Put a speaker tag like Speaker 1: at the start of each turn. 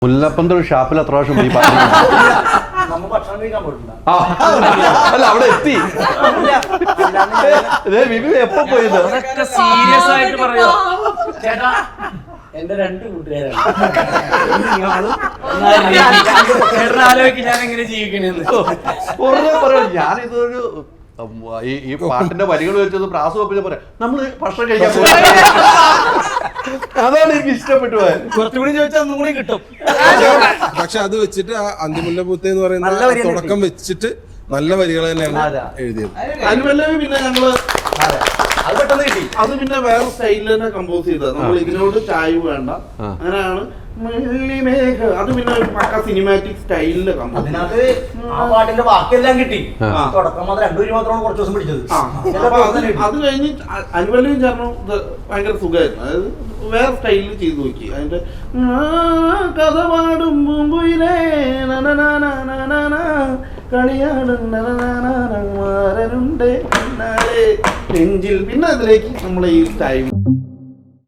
Speaker 1: മുല്ലപ്പന്ത് ഷാപ്പിൽ എത്ര പ്രാവശ്യം പോയി അല്ല അവിടെ എത്തി എപ്പോ പോയത്
Speaker 2: സീരിയസ് ആയിട്ട് പറയോ ചേട്ടാ എന്റെ രണ്ട് കൂട്ടുകാരാണ് ആലോചിക്കും ഞാൻ എങ്ങനെ ജീവിക്കണെന്ന്
Speaker 1: പറയാം. ഞാനിതൊരു ഈ പാട്ടിന്റെ വരികൾ വെച്ചത് പ്രാസം വെപ്പിച്ച പറയാം നമ്മള് ഭക്ഷണം കഴിക്കാൻ പോയി. അതാണ് എനിക്ക് ഇഷ്ടപ്പെട്ടു പോയത്.
Speaker 2: കുറച്ചുകൂടി ചോദിച്ചാൽ ഒന്നും കൂടി കിട്ടും.
Speaker 3: പക്ഷെ അത് വെച്ചിട്ട് ആ അന്തിമുല്ല പൂത്ത എന്ന് പറയുന്ന തുടക്കം വെച്ചിട്ട് നല്ല വരികൾ തന്നെയാണ് എഴുതിയത്.
Speaker 4: അനുപല്ലവി പിന്നെ ഞങ്ങള് അത് പിന്നെ വേറെ സ്റ്റൈലിൽ തന്നെ കമ്പോസ് ചെയ്തത്. നമ്മൾ ഇതിനോട് ചായ വേണ്ട അങ്ങനെയാണ്. അത് പിന്നെ പക്ക സിനിമാറ്റിക് സ്റ്റൈലില് കമ്പോസ്.
Speaker 5: അതിനകത്ത് ആ പാട്ടിന്റെ ബാക്കിയെല്ലാം കിട്ടി. തുടക്കം മാത്രം 2 വരി മാത്രമാണ് കുറച്ച് ദിവസം പിടിച്ചത്.
Speaker 4: അത് കഴിഞ്ഞ് അനുപല്ലവി ചേർന്നു ഭയങ്കര സുഖമായിരുന്നു. അതായത് വേറെ സ്റ്റൈലിൽ ചെയ്തു നോക്കി. അതിന്റെ കഥ പാടും പൂമ്പുയിലേ കളിയാടുണ്ട് നെഞ്ചിൽ പിന്നെ അതിലേക്ക് നമ്മളെ ഈ ടൈം